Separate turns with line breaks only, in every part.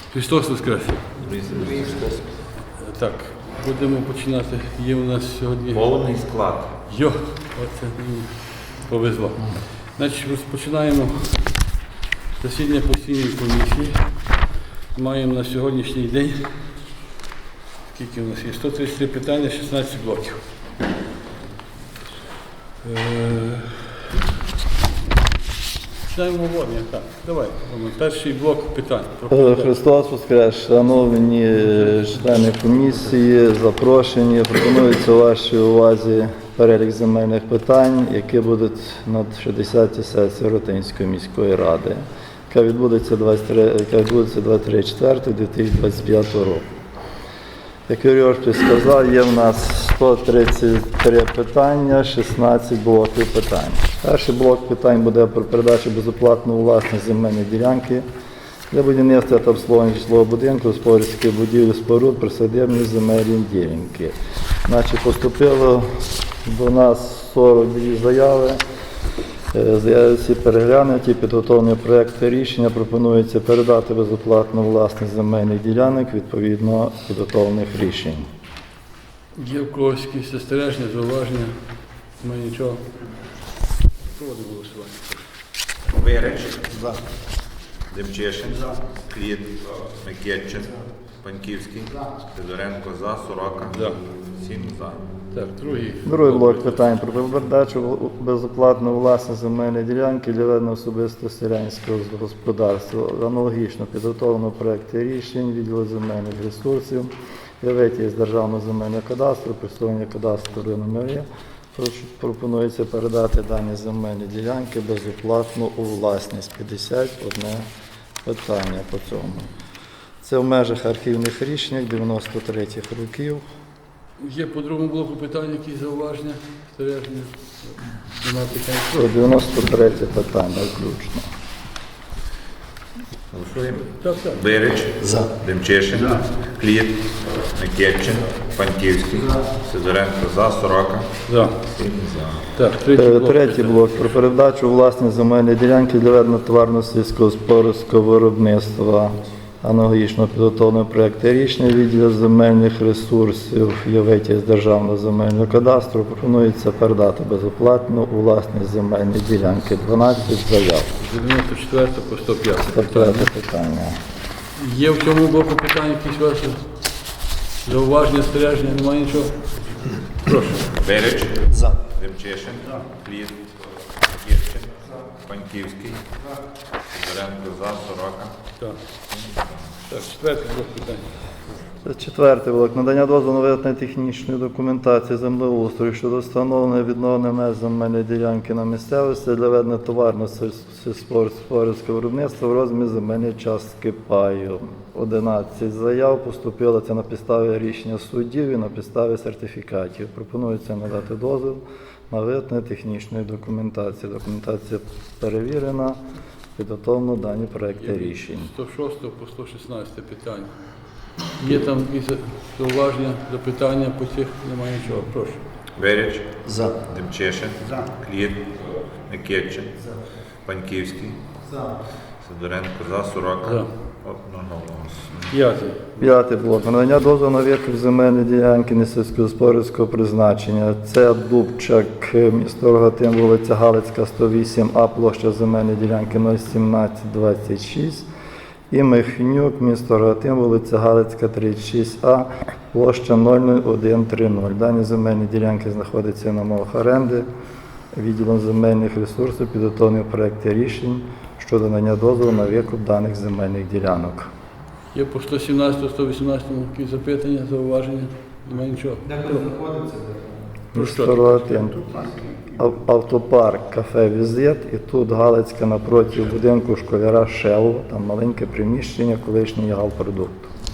Христос Воскрес! Так, будемо починати. Є у нас сьогодні
Повний склад.
Оце мені повезло. Значить, розпочинаємо засідання постійної комісії. Маємо на сьогоднішній день, скільки у нас є? 133 питання, 16 блоків. Починаємо обговорення. Так, давай. Перший блок питань.
Христос Воскрес, шановні члени комісії, запрошені. Пропонується вашій увазі перелік земельних питань, які будуть на 60-й сесії Ротинської міської ради, яка відбудеться 23.04.2025 року. Як Юрій Оршович сказав, є в нас 133 питання, 16 блоків питань. Перший блок питань буде про передачу безоплатно у власність земельної ділянки для будівництва та обслуговування житлового будинку, господарських будівель, споруд, присадибні земельні ділянки. Значить, поступило до нас 42 заяви. Заяви всі переглянуті, підготовлені проекти рішення пропонується передати безоплатно власність земельних ділянок відповідно підготовлених рішень.
Є в когось якісь застереження, зауваження? Немає нічого. Проводимо голосування.
Вирич. За. Демчешин. Кліт. Микетчин. Паньківський. Федоренко за. Сорока.
За.
7 за.
Так, другий
блок питань про передачу безоплатно власність земельної ділянки для ведення особисто селянського господарства. Аналогічно підготовлено проекти рішень, відділу земельних ресурсів, виведення з державного земельного кадастру, присвоєння кадастру номерів. Пропонується передати дані земельні ділянки безоплатно у власність. 51 питання по цьому. Це в межах архівних рішень 93-х років.
Є по другому блоку питання, якісь зауваження, застереження? Немає питань.
93 питання включно.
Голосуємо.
Так.
Вирич. За. Демчешин. Кліт. Микетчин. Паньківський. Федоренко за. Сорока.
За.
7 за.
Так,
Третій блок про передачу власність земельної ділянки для ведення товарно сільськогосподарського виробництва. Аналогічно підготовлено проекти рішення відділу земельних ресурсів ЄВЕТІ з державного земельного кадастру. Пропонується передати безоплатно у власність земельні ділянки. 12 заяв.
94 по 105
105 питання.
Є в цьому блоку питання якісь ваші зауваження, застереження? Немає нічого? Прошу.
Вирич. За. Демчешин. Кліт. Микетчин. Паньківський. Федоренко за. Сорока.
Так. Так, четвертий блок питань.
Четвертий блок. Надання дозволу на виготовлення технічної документації землеустрою щодо встановлення відновлення меж земельної ділянки на місцевості для ведення товарного сільськогосподарського виробництва в розмірі земельної частки паю. 11 заяв поступило це на підставі рішення суддів і на підставі сертифікатів. Пропонується надати дозвіл на виготовлення технічної документації. Документація перевірена. Підготовлено дані проекти рішень.
106 по 116 питання. Є там якісь зауваження, запитання по цих? Немає нічого. Прошу.
Вирич. За. Демчешин. За. Кліт. Микетчин. За. Паньківський. За. Сидоренко за. Сорока.
За.
П'ятий блок. Надання дозволу на викуп земельної ділянки несільськогосподарського призначення. Це Дубчак, місто Рогатин, вулиця Галицька, 108А, площа земельної ділянки 01726. І Михнюк, місто Рогатин, вулиця Галицька, 36А, площа 00130. Дані земельні ділянки знаходяться на мовах оренди. Відділом земельних ресурсів підготовлені проекти рішень щодо надання дозволу на викуп даних земельних ділянок.
Є по 117-118 якісь запитання, зауваження? Немає нічого.
Де ви знаходиться?
Місто Рогатин. Автопарк, кафе «Візит» і тут Галицька напроти будинку школяра «Шелл». Там маленьке приміщення, колишній галпродукт.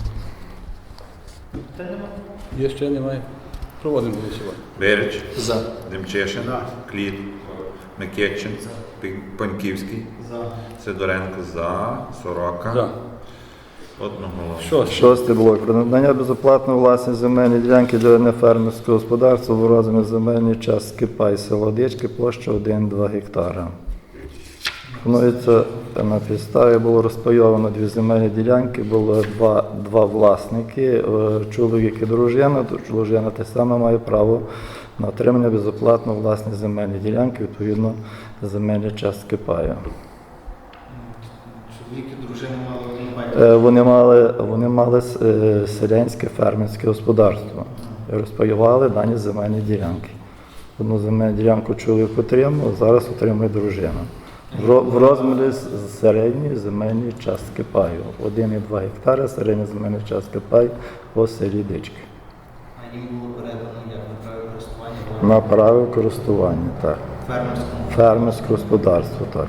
Є ще немає. Проводимо голосування.
Вирич. За. Демчешин. Кліт. Микетчин. Паньківський. За. Сидоренко за. Сорока.
За.
Одноголосно.
Шостий блок. Про надання безоплатної власної земельної ділянки для ведення фермерського господарства в розмірі земельної частки пай село Дички, площа 1,2 гектара. Пропонується на підставі було розпайовано дві земельні ділянки, було два власники, чоловік і дружина. Дружина те саме має право на отримання безоплатно власні земельні ділянки, відповідно земельні частки паю.
Чоловік і дружина мали
Вони мали селянське фермерське господарство і розпаювали дані земельні ділянки. Одну земельну ділянку чоловік отримав, зараз отримує дружина. В розмірі середньої земельної частки паю. 1,2 гектари середня земельна частка паю по селі Дички.
а їм було передано як на право користування
На право користування, так.
фермерському.
Фермерське господарство, так.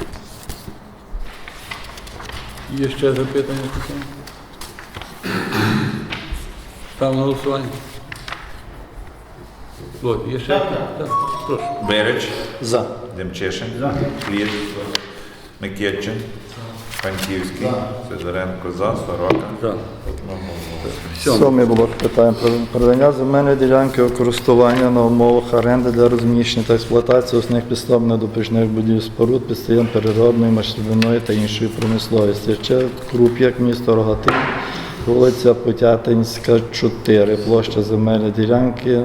Є ще запитання? Ставимо на голосування. Володь, є ще? Так. Прошу.
Береч,
За.
Демчишин, Кліт, Микитчин, Паньківський, Сидоренко за, Сорока.
За.
Одноголосно.
Сьомий блок питань про передання земельної ділянки у користування на умовах оренди для розміщення та експлуатації основних підстав недопічних будівель споруд, підприємств переробної, машинної та іншої промисловості. Ще Круп'як, місто Рогатин, вулиця Потятинська, 4, площа земельної ділянки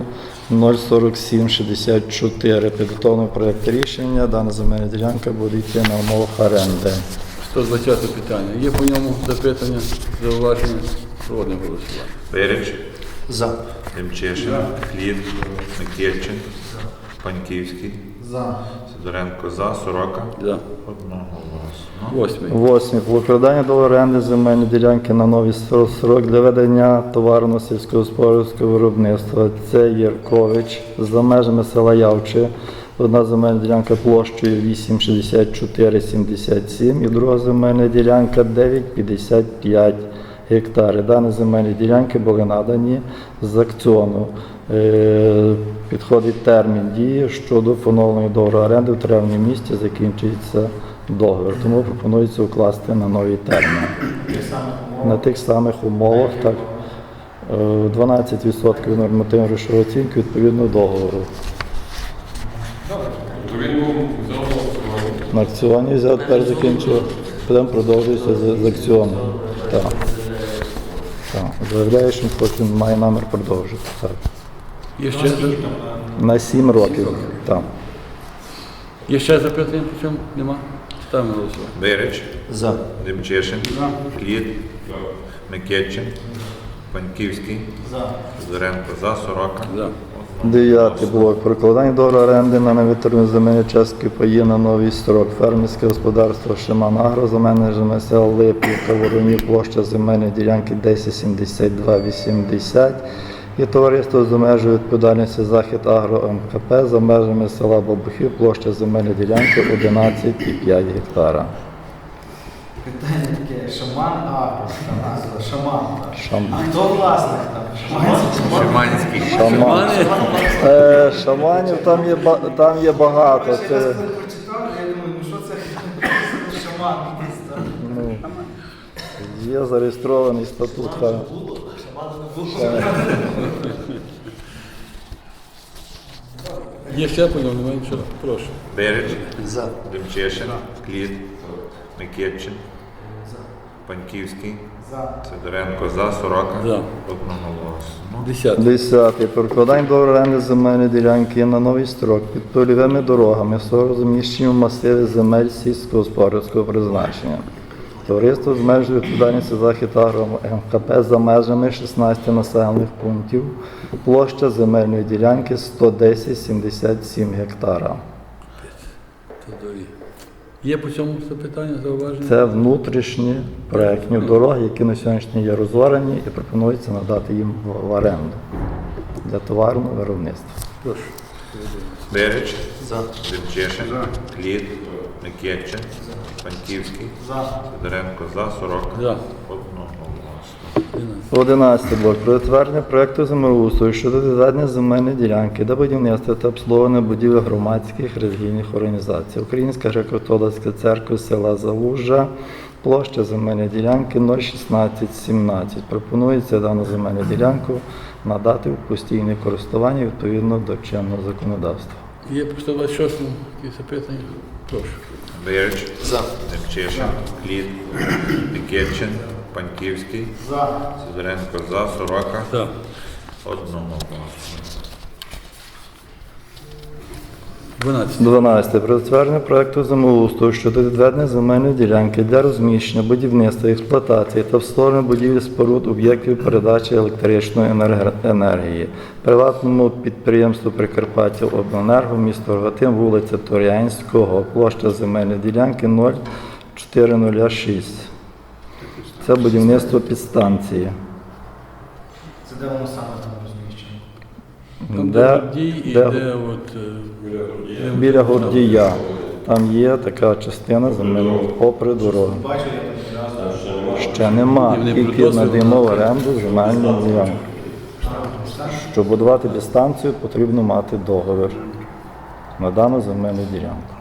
04764. Підготовлений проєкт рішення. Дана земельна ділянка буде йти на умовах оренди.
120 питання. Є по ньому запитання, зауваження? Проводимо голосування.
Береч,
За.
Демчишин, Кліт, Микитчин, Паньківський,
За.
Сидоренко за, Сорока.
За.
Одноголосно.
8.
8. Укладання до оренди земельної ділянки на новий строк для ведення товарно сільськогосподарського виробництва. Це Єркович за межами села Явче. Одна земельна ділянка площею 8,6477 і друга земельна ділянка 9,55 гектари. Дані земельні ділянки були надані з аукціону. Підходить термін дії щодо поновлення договору оренди в травні місяці, закінчується договір. Тому пропонується укласти на новий термін. На тих самих умовах, так, 12% нормативної грошової оцінки відповідно договору. На аукціоні взяв, тепер закінчив, потім продовжується з аукціону. Так. Так. Заявляє, що він має намір продовжити. Так.
Є ще,
На 7 років. Так.
є ще запитання по цьому? Нема? Ставимо на голосування.
Береч,
За.
Демчишин, Кліт, Микитчин, Паньківський, Сидоренко за, Сорока.
За.
9 блок. Прокладання договору оренди на невитребувані земельні частки паї на новий строк. Фермерське господарство Шиман Агро за менеджерами сел Липівка, Воронів, площа земельної ділянки 107280 і товариство з межою відповідальності Захід Агро МКП за межами села Бабухів, площа земельної ділянки 11,5 гектара.
Питання таке, Шаман Агро, така назва, Шаман.
Шаман.
А хто власник там?
Шиманський.
Шаман. Шаманів там є багато.
Я
Це,
раз коли прочитав, я думаю, ну що це Шаман якийсь там.
є зареєстрований статут.
Шамана не було.
Є ще по ньому? Немає нічого? Прошу.
Береч,
За.
Демчишин, Кліт, Микитчин, Паньківський,
За.
Сидоренко за, Сорока.
За.
Одноголосно.
10.
10. Прокладання до оренди земельної ділянки на новий строк під польовими дорогами з розміщенням в масиві земель сільськогосподарського призначення. Товариство з межою відповідальності Захід Агро МКП за межами 16 населених пунктів. Площа земельної ділянки 110,77 гектара.
Є по цьому запитання, зауваження?
Це внутрішні проектні дороги, які на сьогоднішній є розорені і пропонується надати їм в оренду для товарного виробництва.
Прошу.
Береч,
За.
Демчишин, Кліт, Микитчин, Паньківський,
За.
Сидоренко за, Сорока.
За.
Одноголосно.
11 блок. Про затвердження проекту землеустрою щодо відведення земельної ділянки для будівництва та обслуговування будівель громадських релігійних організацій. Українська греко-католицька церква села Залужжа, площа земельної ділянки 01617. Пропонується дану земельну ділянку надати в постійне користування відповідно до чинного законодавства.
Є по 126 які запитання? Прошу.
Берич,
За.
Демчишин, Кліт, Микитчин, Паньківський,
За.
Сидоренко за, Сорока.
Так.
Одноголосно.
12.
12. Про затвердження проекту землеустрою щодо відведення земельної ділянки для розміщення, будівництва, експлуатації та встановлення будівель споруд об'єктів передачі електричної енергії. Приватному підприємству Прикарпаття Обленерго, місто Рогатин, вулиця Торянського, площа земельної ділянки 0406. Це будівництво підстанції.
Це де воно саме там розміщено?
Там
Де-
де Гордій і
де-
де от...
Біля Гордія. Там є така частина земельного попри дорогу.
Бачу, я там одразу.
Ще нема.
І вони
Тільки
придосвідно.
надаємо в оренду земельну ділянку. Щоб будувати дистанцію, потрібно мати договір на дану земельну ділянку.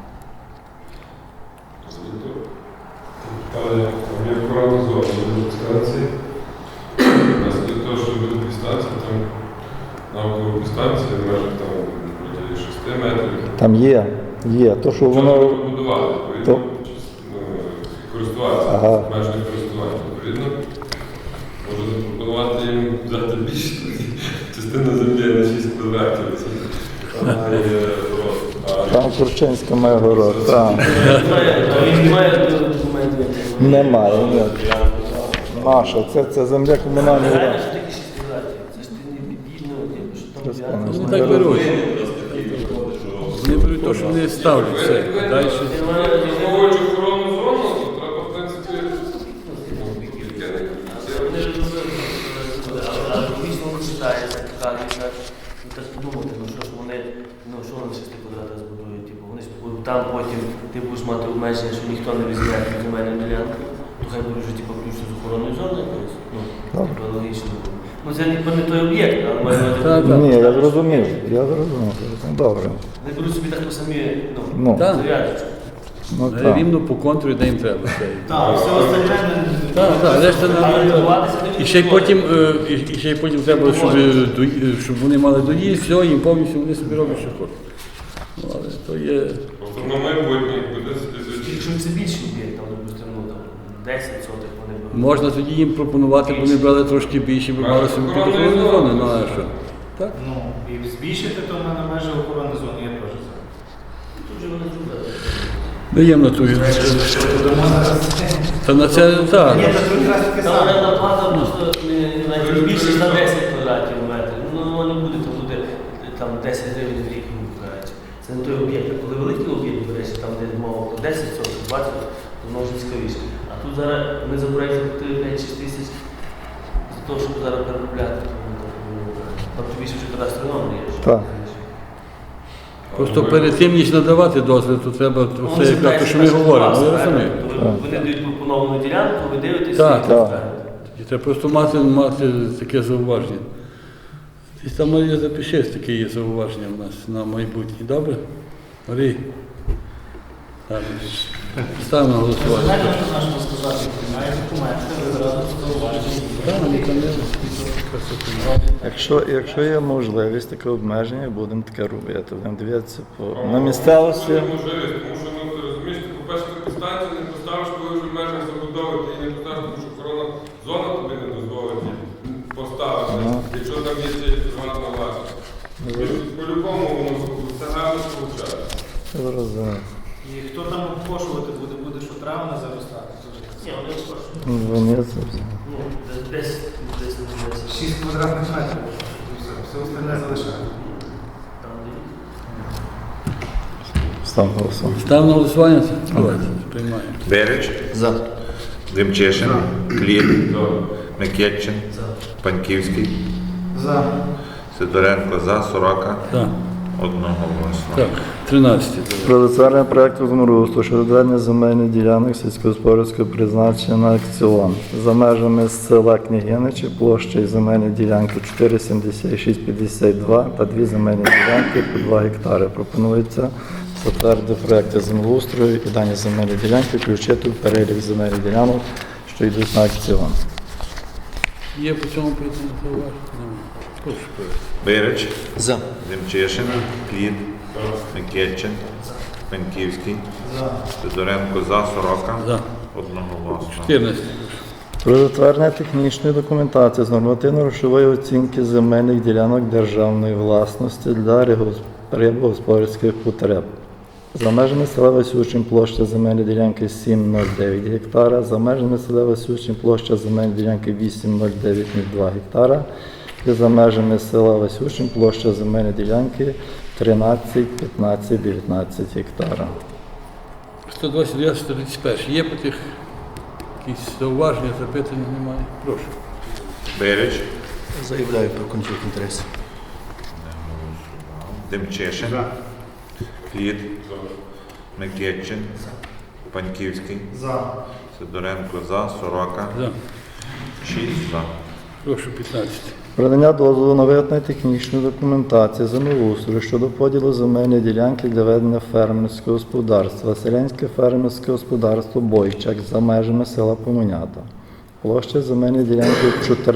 Але є акуратна зона до дистанції. Для того, щоб бути дистанція, там навколо дистанції, в межах там біля 6 метрів.
Там є. То, що
Воно
воно
побудувати,
то-
відповідно, користуватися,
Ага.
обмежене користування. Відповідно, можу запропонувати їм взяти більше частину землі на 6 квадратів. Вона є просто.
там Турчинська має город. Там
Він має документи.
немає. Ні. Наша. Це земля комунальної
Реально,
власності.
що таке 6 квадратів? Це ж ти не бідно, що там
Розповім.
взяти.
Вони так беруть. Вони беруть те, що вони ставлять все. Далі.
Враховуючи охоронну зону, то треба, в принципі,
Вони ж робили, але дійсно воно читається, кажеться. І так подумати, що ж вони, що вони 6 квадратів збудують. Типу, вони ж там потім ти будеш мати обмеження, що ніхто не візьме цю земельну ділянку. То хай буде вже типу, включно з охоронною зоною якоюсь. Типу, логічно. Це не той об'єкт, але має
Так,
бути.
Ні, я зрозумів. Добре.
Вони беруть собі так самі,
Ну.
Так.
зав'язочку.
Ну, так.
Рівно по контурі, де їм треба.
Так, все остальне
Так, решта
Але
на...
будуватися не
І ще й потім, і ще й потім треба, щоб вони мали доїзд, все, їм повністю вони собі роблять, що хочуть. Ну, але то є...
просто на майбутнє буде
Якщо це більший об'єкт, там, допустимо, ну, там, 10 сотих вони беруть.
Можна тоді їм пропонувати, бо вони брали трошки більше, бо мали собі під охоронну зону, ну а що? Так?
Ну, і збільшити то в мене межі охорони зони, я теж за.
Тут же вони зробили.
Даємо на ту. Та на це, так.
Ні, то тут якраз таке
Там
саме.
орендна плата просто навіть більше на 10 квадратів метрів. Ну, воно не буде, там буде там 10 гривень в рік, ну, кажуть. Це не той об'єкт. А коли великий об'єкт береш, там де мова про 10 соток, 20, то може цікавіше. А тут зараз ми за проєкт заплатили 5-6 тисяч за те, щоб зараз переробляти. Там тобі ще кадастровий номер є.
Так.
Просто перед тим, ніж надавати дозвіл, то треба це якраз те, що ми говоримо. Я розумію.
Вони дають пропоновану ділянку, ви дивитесь
Так,
і
так.
розглядаєте.
І треба просто мати таке зауваження. І там Марія запишеш, таке є зауваження у нас на майбутнє. Добре? Марій? Так. Ставимо на голосування.
Знаєте, що можна сказати? Має документи, ви зразу зауважені.
Так, ну, там є.
Якщо є можливість, таке обмеження, будемо таке робити. Будемо дивитися на місцевості.
Це можливість, тому що, ну, ти розумієш, ти, по-перше, ти підстанцію не поставиш, коли вже в межах забудови, ти її не поставиш, тому що охоронна зона тобі не дозволить її поставити, якщо там є ця приватна власність. І по-любому воно це гарно виходить.
Зрозуміло.
І хто там обкошувати буде, буде що травма заростати.
Ні, вони скажуть.
Вони це
Ну, десь не 10.
6 квадратних метрів. І все остальне залишаємо.
Там де
стан голосування.
Ставимо на голосування це? Давайте, приймаємо.
Берич,
За.
Демчишин, Кліт, Микитчин, Паньківський,
За.
Сидоренко за, Сорока.
Так,
Одноголосно.
так, 13.
Про затвердження проекту землеустрою щодо відведення земельних ділянок сільськогосподарського призначення на аукціон за межами села Княгиничі площею земельної ділянки 4,7652 та 2 земельні ділянки по 2 гектари. Пропонується затвердити проекти землеустрою і дані земельні ділянки включити в перелік земельних ділянок, що йдуть на аукціон.
Є по цьому питанню зауваження? Немає. Прошу прошу.
Берич,
За.
Демчишин, Кліт, Микитчин, Паньківський,
За.
Сидоренко за, Сорока.
За.
Одноголосно.
14.
Про затвердження технічної документації з нормативно-грошової оцінки земельних ділянок державної власності для рибогосподарських потреб. За межами села Васючин площа земельної ділянки 7,09 гектара, за межами села Васючин площа земельної ділянки 8,0902 гектара і за межами села Васючин площа земельної ділянки 13, 15, 19 гектара.
129, 131. Є по тих якісь зауваження, запитання немає? Прошу.
Берич,
Заявляю про конфлікт інтересів.
Демчишин, Кліт, Микитчин, Паньківський,
За.
Сидоренко за, Сорока.
За.
6 за.
Прошу 15.
Продання дозволу на виготовлення технічної документації землеустрою щодо поділу земельної ділянки для ведення фермерського господарства. Селянське фермерське господарство Бойчак за межами села Помонята. Площа земельної ділянки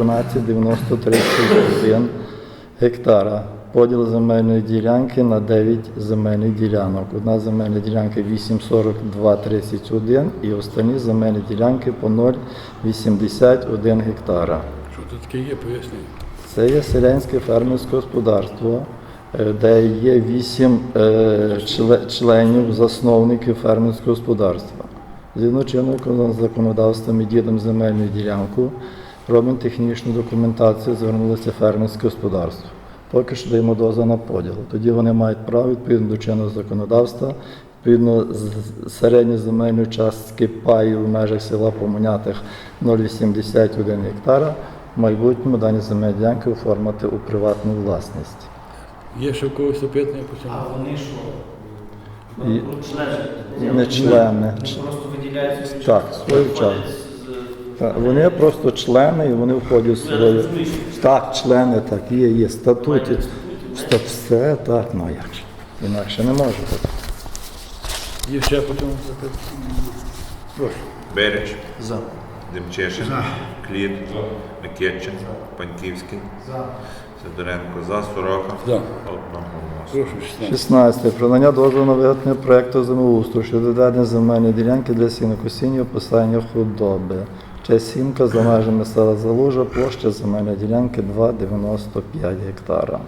14,9031 гектара. Поділ земельної ділянки на 9 земельних ділянок. Одна земельна ділянка 8,4231 і останні земельні ділянки по 0,81 гектара.
Що тут таке є, пояснюю.
Це є селянське фермерське господарство, де є 8 членів, засновників фермерського господарства. Згідно чинного законодавства ми ділимо земельну ділянку, робимо технічну документацію, звернулося фермерське господарство. Поки що даємо дозвіл на поділ. Тоді вони мають право, відповідно до чинного законодавства, відповідно з середньої земельної частки паю в межах села Помонятих 0,81 гектара, в майбутньому дані земельні ділянки оформити у приватну власність.
Є ще в когось запитання по цьому?
А вони що?
І-
Члени?
Не члени.
Вони просто виділяють свою
Так,
частку,
свою
виходять
частку.
з-
Так, вони просто члени і вони входять в
Я
свою.
розумію, що
Так, члени, так, є статуті.
мають статути,
Все так, ну а як же? Інакше не може бути.
Є ще по цьому запитання? Прошу.
Берич,
За.
Демчишин, Кліт, Микитчин, Паньківський,
За.
Сидоренко за, Сорока.
За.
Одноголосно.
Прошу 16.
16. Про надання дозволу на виготовлення проєкту землеустрою щодо ведення земельної ділянки для сінокосіння описання худоби. Часінка за межами села Залужа, площа земельної ділянки 2,95 гектара.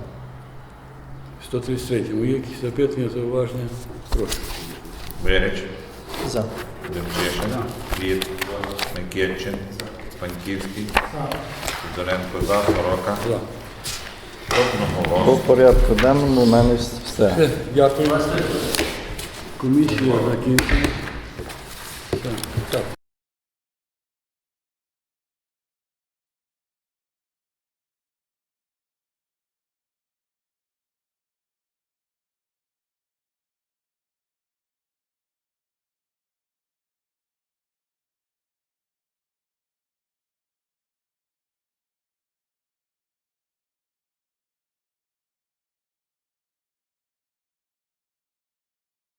133. Є якісь запитання, зауваження? Прошу.
Берич,
За.
Демчишин, Кліт, Микитчин, Паньківський, Сидоренко за, Сорока.
За.
Одноголосно.
По порядку денному у мене все.
Все, дякую. Комісія закінчена.